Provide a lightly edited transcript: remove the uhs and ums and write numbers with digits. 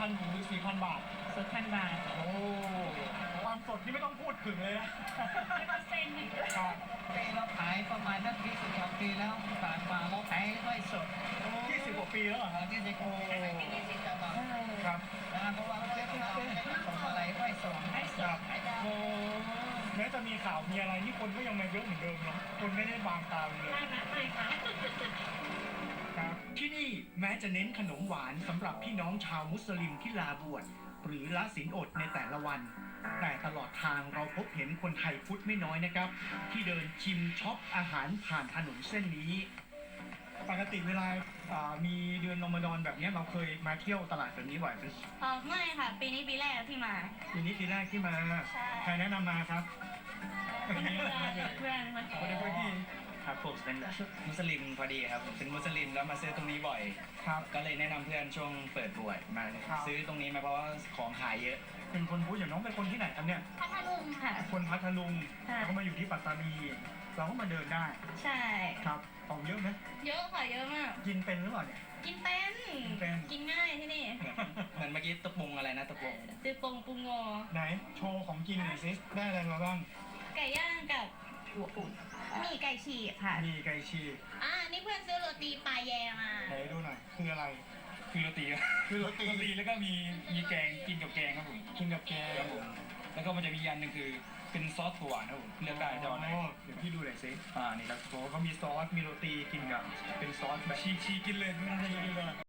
3,000 ถึง 4,000 บาทสด1,000 บาทโอ้ความสดที่ไม่ต้องพูดถึงเลยนะ 100%ปีเราขายประมาณนัก20 กว่าปีแล้วผ่านมาเราขายด้วยสด 20 กว่าปีแล้วเหรอครับ 20 กว่าปี20 กว่าบาทครับเพราะว่าเราส่งอะไรด้วยสดให้สดให้ได้โอ้แม้จะมีข่าวมีอะไรนี่คนก็ยังมาเยอะเหมือนเดิมเนาะคนไม่ได้บางตาเลยไม่ค่ะครับที่นี่แม้จะเน้นขนมหวานสำหรับพี่น้องชาวมุสลิมที่ลาบวชหรือละศีลอดในแต่ละวัน แต่ตลอดทางเราพบเห็นคนไทยพุทธไม่น้อยนะครับ ที่เดินชิมช็อปอาหารผ่านถนนเส้นนี้ปกติเวลามีเดือนรอมฎอนแบบนี้เราเคยมาเที่ยวตลาดแบบนี้บ่อยไหมไม่ค่ะ ปีนี้ปีแรกที่มาปีนี้ปีแรกที่มาใช่ใครแนะนำมาครับเพื่อนคนคนในพื้นที่ครับผมเป็นมุสลิมพอดีครับผมเป็นมุสลิมแล้วมาซื้อตรงนี้บ่อยครับก็เลยแนะนำเพื่อนช่วงเปิดบวชมาครับซื้อตรงนี้มาเพราะว่าของขายเยอะเป็นคนพุทธอย่างน้องเป็นคนที่ไหนครับเนี่ยพัทลุงค่ะคนพัทลุงค่ะเขามาอยู่ที่ปัตตานี เราก็มาเดินได้ใช่ครับของเยอะไหมเยอะค่ะ เยอะมากกินเป็นหรือเปล่าเนี่ยกินเป็นเป็นกินง่ายที่นี่เหมือนเมื่อกี้ตะปุงอะไรนะตะปุงตือปงปูงอไหนโชว์ของกินหน่อยสิได้อะไรมาบ้างไก่ย่างกับหัวอุ่นมีไก่ฉีกค่ะมีไก่ฉีกนี่เพื่อนซื้อโรตีปลาแยมาไหนดูหน่อยคืออะไรคือโรตีคือโรตีแล้วก็มีแกงกินกับแกงครับผมกินกับแกงครับผมแล้วก็มันจะมีอันหนึงคือเป็นซอสถั่วหวานครับผมเลือกได้จะเอาไหนเดี๋ยวพี่ดูหน่อยสินี่ครับโอ้เขามีซอสมีโรตีกินกับเป็นซอสแบบชีกินเลยชีกินเลย